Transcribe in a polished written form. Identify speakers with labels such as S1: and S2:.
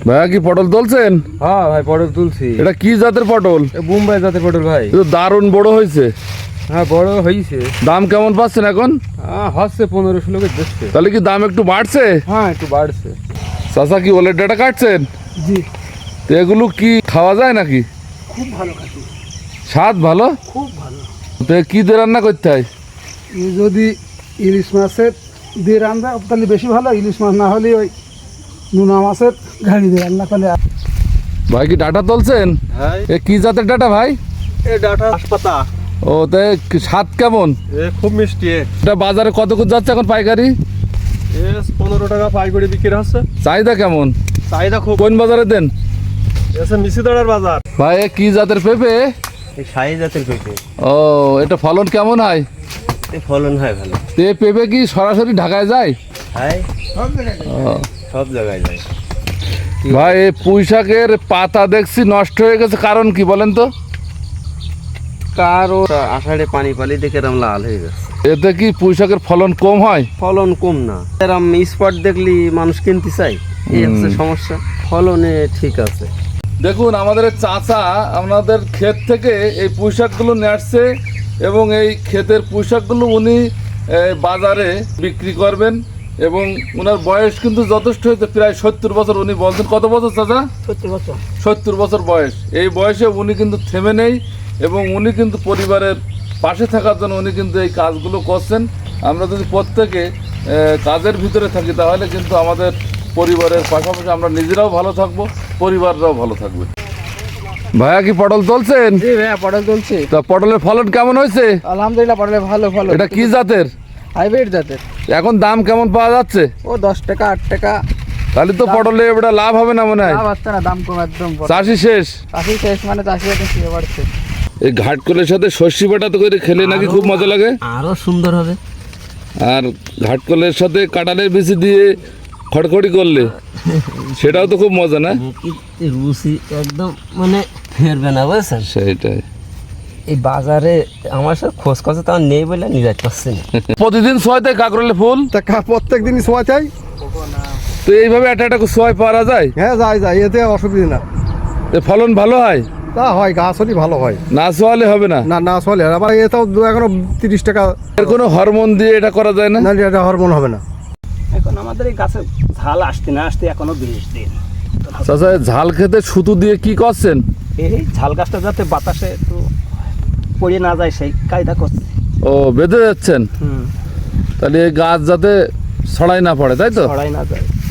S1: ভাইয়া কি পটল তুলছেন?
S2: হ্যাঁ ভাই পটল তুলছি।
S1: এটা কি জাতের পটল?
S2: বোম্বাই জাতের পটল ভাই।
S1: এটা দারুণ বড় হয়েছে।
S2: হ্যাঁ বড় হয়েছে।
S1: দাম কেমন পাচ্ছেন এখন?
S2: হচ্ছে 15-16 করে দিচ্ছে।
S1: তাহলে কি দাম একটু বাড়ছে?
S2: হ্যাঁ একটু বাড়ছে।
S1: চাচা কি ওলের ডাটা কাটছেন?
S2: জি।
S1: তো এগুলো কি খাওয়া যায় নাকি?
S2: খুব ভালো খাচ্ছি।
S1: স্বাদ ভালো?
S2: খুব ভালো।
S1: তো কি দিয়ে রান্না করতে হয়?
S2: যদি ইলিশ মাছের দিয়ে রান্না তাহলে বেশি ভালো, ইলিশ মাছ না হলে ওই নোনা মাছের ঘাড়ি দিয়ে রান্না করলে।
S1: ভাই কি ডাটা তুলছেন?
S2: হ্যাঁ।
S1: এ কি জাতের ডাটা ভাই?
S2: এই ডাটা হাসপাতা।
S1: ও তাই স্বাদ কেমন?
S2: খুব মিষ্টি।
S1: এটা বাজারে কত করে যাচ্ছে এখন পাইকারি?
S2: 15 টাকা পাইকারি বিক্রি হচ্ছে।
S1: চাহিদা কেমন?
S2: চাহিদা খুব।
S1: কোন বাজারে দেন?
S2: মিশিদাড়ার বাজার।
S1: ভাই এ কি জাতের পেঁপে?
S3: এই শাহী জাতের পেঁপে।
S1: ও এটা ফলন কেমন হয়?
S3: এই ফলন হয় ভালো।
S1: তো এই পেঁপে কি সরাসরি ঢাকায় যায়?
S3: হয়
S1: ও,
S3: সব জায়গায় যায়।
S1: ভাই এই পুঁই শাকের পাতা দেখছি নষ্ট হয়ে গেছে, কারণ কি বলেন তো?
S3: কারো আষাঢ়ে পানি পালি দেখে এরম লাল হয়ে গেছে।
S1: এতে কি পুঁই শাকের ফলন কম হয়?
S3: ফলন কম না, এরম স্পট দেখলি মানুষ কিনতে চাই, এই হচ্ছে সমস্যা। ফলনে ঠিক আছে।
S1: দেখুন আমাদের চাচা আমাদের ক্ষেত থেকে এই পুঁই শাকগুলো নিয়ে আসছে এবং এই ক্ষেতের পুঁই শাকগুলো উনি বাজারে বিক্রি করবেন এবং ওনার বয়স কিন্তু যথেষ্ট হয়েছে, প্রায় 70 বছর। উনি বলছেন কত বছর চাচা? 70 বছর বয়স। এই বয়সে উনি কিন্তু থেমে নেই এবং উনি কিন্তু পরিবারের পাশে থাকার জন্য উনি কিন্তু এই কাজগুলো করছেন। আমরা যদি প্রত্যেকে কাজের ভিতরে থাকি তাহলে কিন্তু আমাদের পরিবারের পাশাপাশি আমরা নিজেরাও ভালো থাকবো, পরিবাররাও ভালো থাকবে। ভাইয়া কি পটল তুলছেন?
S2: জি ভাইয়া পটল তুলছি।
S1: তা পটলের ফলন কেমন হয়েছে?
S2: আলহামদুলিল্লাহ পটলের ভালো ফলন।
S1: এটা কি জাতের?
S2: হাইব্রিড জাতের।
S1: এখন দাম কেমন পাওয়া যাচ্ছে?
S2: ও 10 টাকা 8 টাকা।
S1: তাহলে তো পটলে এবার লাভ হবে না মনে হয়?
S2: লাভ হচ্ছে না, দাম কম একদম।
S1: চাষি শেষ।
S2: চাষি শেষ মানে চাষি এখন ফিরে বাড়ছে।
S1: এই ঘাটকলের সাথে সর্ষে বাটা তো করে খেলে নাকি খুব মজা লাগে?
S3: আরো সুন্দর হবে।
S1: আর ঘাটকলের সাথে কাঁঠালের বিচি দিয়ে খড়খড়ি করলে সেটাও তো খুব মজা, না?
S3: রুচি একদম মানে ফেরবে না, বুঝছেন?
S1: সেইটাই।
S3: এই বাজারে আমার সাথে খোঁজ খোঁজ তো নেই বলে নিয়ে যাইতে পারছি না।
S1: প্রতিদিন সোয়াতে কাকরোলে ফুল?
S2: প্রত্যেক দিনই সোয়া চাই।
S1: তো এইভাবে একটা সোয়াই পাওয়া যায়?
S2: হ্যাঁ যায়, এতে অসুবিধা না।
S1: ফলন ভালো হয়?
S2: তা হয়, গাছ হলে ভালো হয়।
S1: না সোয়ালে হবে না?
S2: না চলে। আবার এটাও এখনো 30 টাকা।
S1: এর কোনো হরমোন দিয়ে এটা করা যায় না?
S2: না এটা হরমোন হবে না।
S4: এখন আমাদের এই গাছে ঝাল আসতে না আসতে এখনো 20 দিন।
S1: চাচা ঝাল খেতে সুতো দিয়ে কি করছেন?
S4: এই ঝাল গাছটা যাতে বাতাসে একটু পড়ে না যায় সেই কায়দা করছে।
S1: ও বেঁধে যাচ্ছেন? তাহলে এই গাছ যাতে ছড়াই না পড়ে, তাই তো?
S4: ছড়াই না যায়।